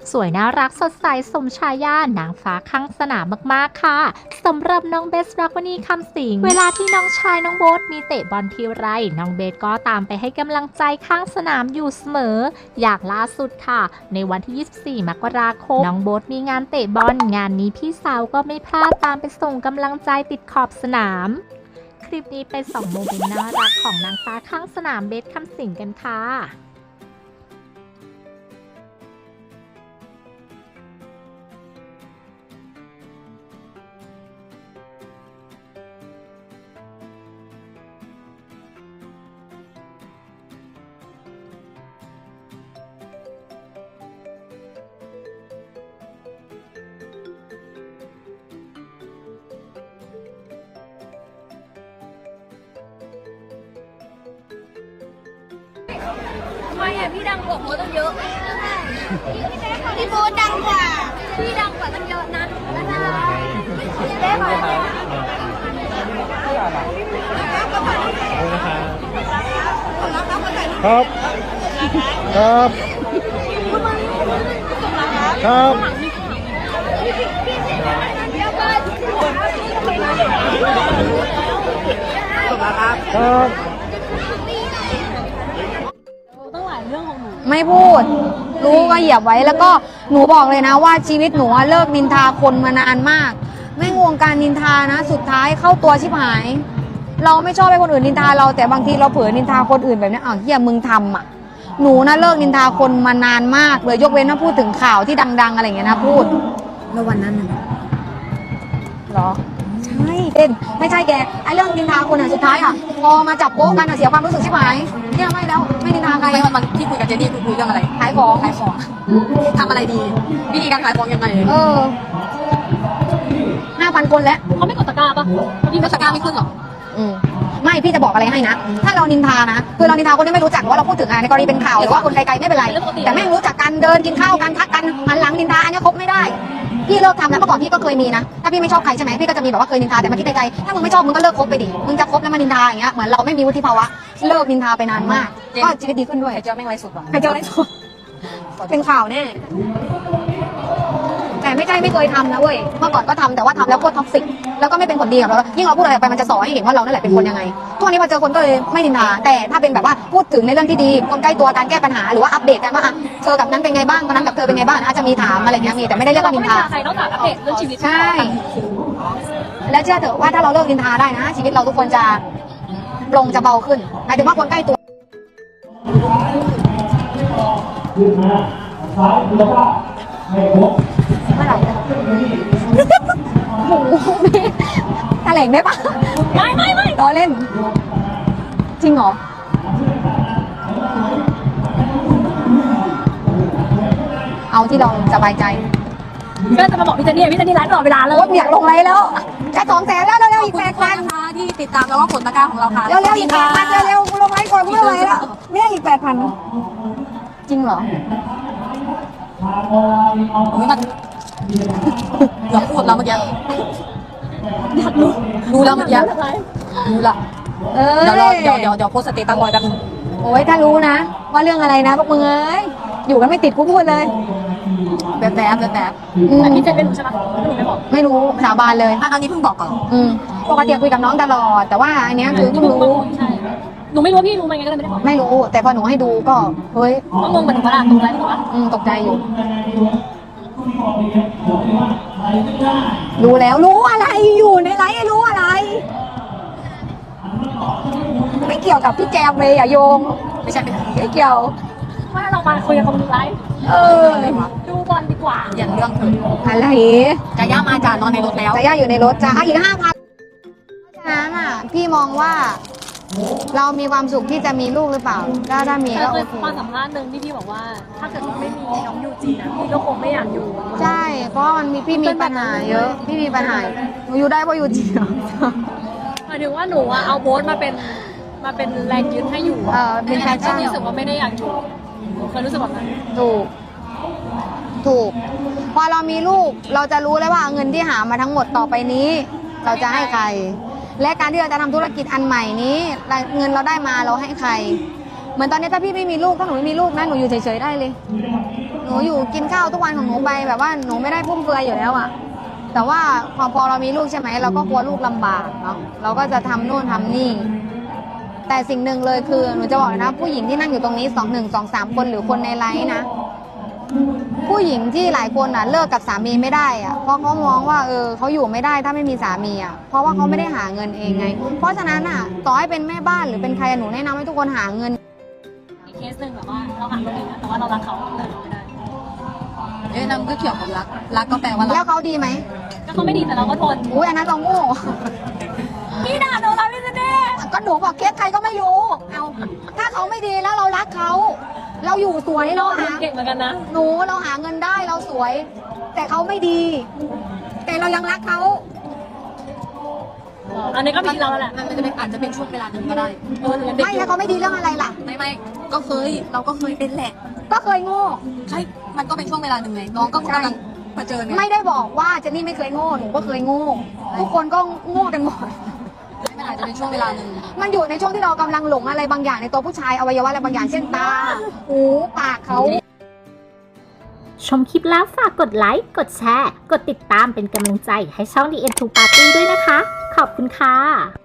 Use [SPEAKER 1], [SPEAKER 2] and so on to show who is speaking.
[SPEAKER 1] สวยน่ารักสดใสสมชายานางฟ้าข้างสนามมากๆค่ะสำหรับน้องเบสรักวนีคำสิงเวลาที่น้องชายน้องโบ๊ทมีเตะบอลทีไรน้องเบสก็ตามไปให้กำลังใจข้างสนามอยู่เสมออย่างล่าสุดค่ะในวันที่ 24 มกราคมน้องโบ๊ทมีงานเตะบอลงานนี้พี่สาวก็ไม่พลาดตามไปส่งกำลังใจติดขอบสนามคลิปนี้เป็น2โมเมนต์น่ารักของนางฟ้าข้างสนามเบสคำสิงกันค่ะ
[SPEAKER 2] ทำไมอ่ะพี่ดังกว่าโมตั้งเยอะพี่โมดังกว่าพี่ดังกว่าตั้งเยอะนะได้ไหม
[SPEAKER 3] ครับครับครับครับ
[SPEAKER 4] ไม่พูด รู้ก็เหยียบไว้แล้วก็หนูบอกเลยนะว่าชีวิตหนูเลิกนินทาคนมานานมากไม่งวงการนินทานะสุดท้ายเข้าตัวชิบหาย เราไม่ชอบให้คนอื่นนินทาเราแต่บางทีเราเผลอนินทาคนอื่นแบบนี้อ้าวเฮียมึงทำอ่ะหนูนะเลิกนินทาคนมานานมากเลยยกเว้นว่าพูดถึงข่าวที่ดังๆอะไรอย่างเงี้ยนะพูดแล้ววันนั้นหรอใช่เป็นไม่ใช่แกไอ้เรื่องนินทาคนอ่ะสุดท้ายอ่ะพอมาจับโป๊ะกันอ่ะเสียความรู้สึกชิบหายเนี่ยไม่แล้วไม่นินทาใคร
[SPEAKER 5] ไม่วันที่คุยกับเจนนี่คุยเรื่องอะไร
[SPEAKER 4] ขายของ
[SPEAKER 5] ขายของทำอะไรดี วิธีการขายของยังไง
[SPEAKER 4] 5,000 คนแล้ว
[SPEAKER 2] เขาไม่กดตะกร้าปะ
[SPEAKER 5] พี่ไม่ตะกร้าไม่ขึ้นหรอ
[SPEAKER 4] ไม่พี่จะบอกอะไรให้นะ ถ้าเรานินทานะคือเรานินทาคนที่ไม่รู้จักว่าเราพูดถึงอะไรในกรณีเป็นข่าวหรือว่าคนไกลๆไม่เป็นไรแต่แม่งรู้จักกันเดินกินข้าวกันทักกันหันหลังนินทาอันนี้คบไม่ได้พี่เลิกทำแล้วเมื่อก่อนพี่ก็เคยมีนะถ้าพี่ไม่ชอบใครใช่ไหมพี่ก็จะมีแบบว่าเคยนินทาแต่มาคิดในใจถ้ามึงไม่ชอบมึงก็เลิกคบไปดิมึงจะคบแล้วมานินทาอย่างเงี้ยเหมือนเราไม่มีวุฒิภาวะเลิกนินทาไปนานมากก็ชีวิตดีขึ้นด้วย
[SPEAKER 5] ไข่เจียวไม่ไว้สุดหรอ
[SPEAKER 4] ใครเจออะไรสุดเป็นข่าวแน่แต่ไม่ใช่ไม่เคยทำนะเว้ยเมื่อก่อนก็ทำแต่ว่าทำแล้วโคตรท็อกซิกแล้วก็ไม่เป็นผลดีกับเรายิ่งเราพูดอะไรไปมันจะสอนให้เห็นว่าเรานั่นแหละเป็นคนยังไงทุกวันนี้พอเจอคนก็เลยไม่นินทาแต่ถ้าเป็นแบบว่าพูดถึงในเรื่องที่ดีคนใกล้ตัวการแก้ปัญหาหรือว่าอัปเดตกันว่าเธอกับนั้นเป็นไงบ้างวันนั้นกับเธอเป็นไงบ้างอาจจะมีถามอะไรเงี้ยมีแต่ไม่ได้เรียกว่านินทา
[SPEAKER 2] ใครนอกจากอัปเดตเรื่องชีวิต
[SPEAKER 4] ใช่ แล้วเชื่อเถอะว่าถ้าเราเลิกนินทาได้นะชีวิตเราทุกคนจะปลงจะเบาขึ้นหมายถึงว่าคนใกล้ตัวเมื่อไหร่จะหมูพี่แถลงได้ปะไม่ล้อเล่น จริงเหรอ เอาที่เราสบายใจ
[SPEAKER 2] ก็จะมาบอกพี่เจนนี่ไลฟ์ตลอดเวลาเลย
[SPEAKER 4] รถอยากลงไรแล้วจะ200,000แล้วเร็วๆอีก8,000
[SPEAKER 5] นะคะที่ติดตามแล้วก็กดตะกร้าของเราค่ะ
[SPEAKER 4] เร็วๆอีก8,000เร็วๆกูลงไลฟ์ก่อนกูไม่ไหวแล้วไม่ได้อีก8,000จริงเหรอ
[SPEAKER 5] ไม่มาอยากพูดแล้วเมื่อกี้อยากรู้แล้วเมื่อกี้รู้ละเดี๋ยวโพสต์สเตตัสลอยแป๊บนึง
[SPEAKER 4] โอ้ยถ้ารู้นะว่าเรื่องอะไรนะพวกมึงเอ้ยอยู่กันไม่ติดกูพูดเลย
[SPEAKER 5] แบบ
[SPEAKER 2] แต่พี่เจนไม่รู้ใช่ปะหนูไม่บอก
[SPEAKER 4] ไม่รู้สาบานเลย
[SPEAKER 5] อันนี้เพิ่งบอกก่อน
[SPEAKER 4] ปกติคุยกับน้องตลอดแต่ว่าอันเนี้ยคือเพิ่งรู้
[SPEAKER 2] ใช่หนูไม่รู้ว่าพี่รู้ไหมไงก็เลยไม่ได้บอก
[SPEAKER 4] ไม่รู้แต่พอหนูให้ดูก็เฮ้ย
[SPEAKER 2] ก็งงเหมือนกันว่าตรงไลฟ์ถูกปะ
[SPEAKER 4] ตกใจอยู่ รู้แล้วรู้อะไรอยู่ในไลฟ์รู้อะไร ไม่เกี่ยวกับพี่แจมเลยอย่าโยง
[SPEAKER 5] ไม่ใช่
[SPEAKER 4] ไม่เกี่ยว
[SPEAKER 2] ว่าเรามาคุยกันตรงไลฟ์ ดูบอลดีกว่า
[SPEAKER 5] อย่างเรื่องเธอ
[SPEAKER 4] อะไร
[SPEAKER 5] จะย่ามาจ่านอนในรถแล้ว
[SPEAKER 4] แต่ย่าอยู่ในรถจ้าอีก5,000เพราะฉะนั้นอ่ะพี่มองว่าเรามีความสุขที่จะมีลูกหรือเปล่าถ้ามี
[SPEAKER 2] แต่
[SPEAKER 4] ก็
[SPEAKER 2] เค
[SPEAKER 4] โอย เค
[SPEAKER 2] มาสัมภาษณ์หนึ่งที่พี่บอกว่า ถ้าเกิดไม่มีน้องยูจีนะพี่ก็คงไม่อยากอยู่
[SPEAKER 4] ใช่เพราะมันมีพี่มีปัญหาเยอะพี่มีปัญหาหนูอยู่ได้เพราะอยู่จริงเหรอ
[SPEAKER 2] หมายถึงว่าหนูอะเอาโบ๊ทมาเป็นแรงยึดให้อยู่
[SPEAKER 4] เป็นแพชชั่น
[SPEAKER 2] รู้สึกว่าไม่ได้อยากอยู่หนูเคยรู้สึกแบบนั้น
[SPEAKER 4] ถูกพอเรามีลูกเราจะรู้เลยว่าเงินที่หามาทั้งหมดต่อไปนี้ เราจะให้ใคร และการที่เราจะทำธุรกิจอันใหม่นี้เงินเราได้มาเราให้ใครเหมือนตอนนี้ถ้าพี่ไม่มีลูกถ้าหนูไม่มีลูกนะหนูอยู่เฉยๆได้เลย หนูอยู่กินข้าวทุกวันของหนูไปแบบว่าหนูไม่ได้ฟุ่มเฟือยอยู่แล้วอะแต่ว่าพอเรามีลูกใช่ไหมเราก็กลัวลูกลำบากเนาะเราก็จะทำนู่นทำนี่แต่สิ่งหนึ่งเลยคือหนูจะบอกเลยนะผู้หญิงที่นั่งอยู่ตรงนี้2 คนหรือคนในไลฟ์นะ ผู้หญิงที่หลายคนอ่ะเลิกกับสามีไม่ได้อ่ะเพราะเขามองว่าเขาอยู่ไม่ได้ถ้าไม่มีสามีอ่ะเพราะว่าเขาไม่ได้หาเงินเองไง เพราะฉะนั้นอ่ะต่อให้เป็นแม่บ้านหรือเป็นใครหนูแนะนำให้ทุกคนหาเงิน
[SPEAKER 5] อีกเคสหนึ่งแบบว่าเราหาคนอื่นนะแต่ว่าเรารักเขาแต่เราไม่ได้นั่นก็เกี่ยวกับรักก็แปลว่า
[SPEAKER 4] แล้วเขาดีไหม
[SPEAKER 5] ก็เขาไม่ดีแต่เราก็ทน
[SPEAKER 4] อุ้ยอันนั้นต้องโง่
[SPEAKER 5] พี่ด่าหนูเราไม่ได้
[SPEAKER 4] ก็หนูบอกเคสใครก็ไม่รู้เอาถ้าเขาไม่ดีแล้วเรารักเขาเราอยู่สวยเราหา
[SPEAKER 5] เก่งเหมือนกันนะ
[SPEAKER 4] เราหาเงินได้เราสวย แต่เขาไม่ดี แต่เรายังรักเขา
[SPEAKER 5] อันนี้ก็เป็นเราแหละมันจะเป็นอาจจะเป็นช่วงเวลาหนึ่งก็ได้
[SPEAKER 4] ไม่แล้วเขาไม่ดีเรื่องอะไรล่ะ
[SPEAKER 5] ไม่ก็เคยเราก็เคยเป็นแหละ
[SPEAKER 4] ก็เคยโง่
[SPEAKER 5] ใช่มันก็เป็นช่วงเวลาหนึ่งไงน้องก็กำลังเผชิญไง
[SPEAKER 4] ไม่ได้บอกว่าเจนนี่ไม่เคยโง่หนูก็เคยโง่ทุกคนก็โง่กันหมด
[SPEAKER 5] มันอาจจะเป็นช่วงเวลาหนึ่ง
[SPEAKER 4] มันอยู่ในช่วงที่เรากำลังหลงอะไรบางอย่างในตัวผู้ชายอวัยวะอะไรบางอย่างเช่นตาหูปากเขา
[SPEAKER 1] ชมคลิปแล้วฝากกดไลค์ กดแชร์ กดติดตามเป็นกำลังใจให้ช่อง The End to Party ด้วยนะคะ ขอบคุณค่ะ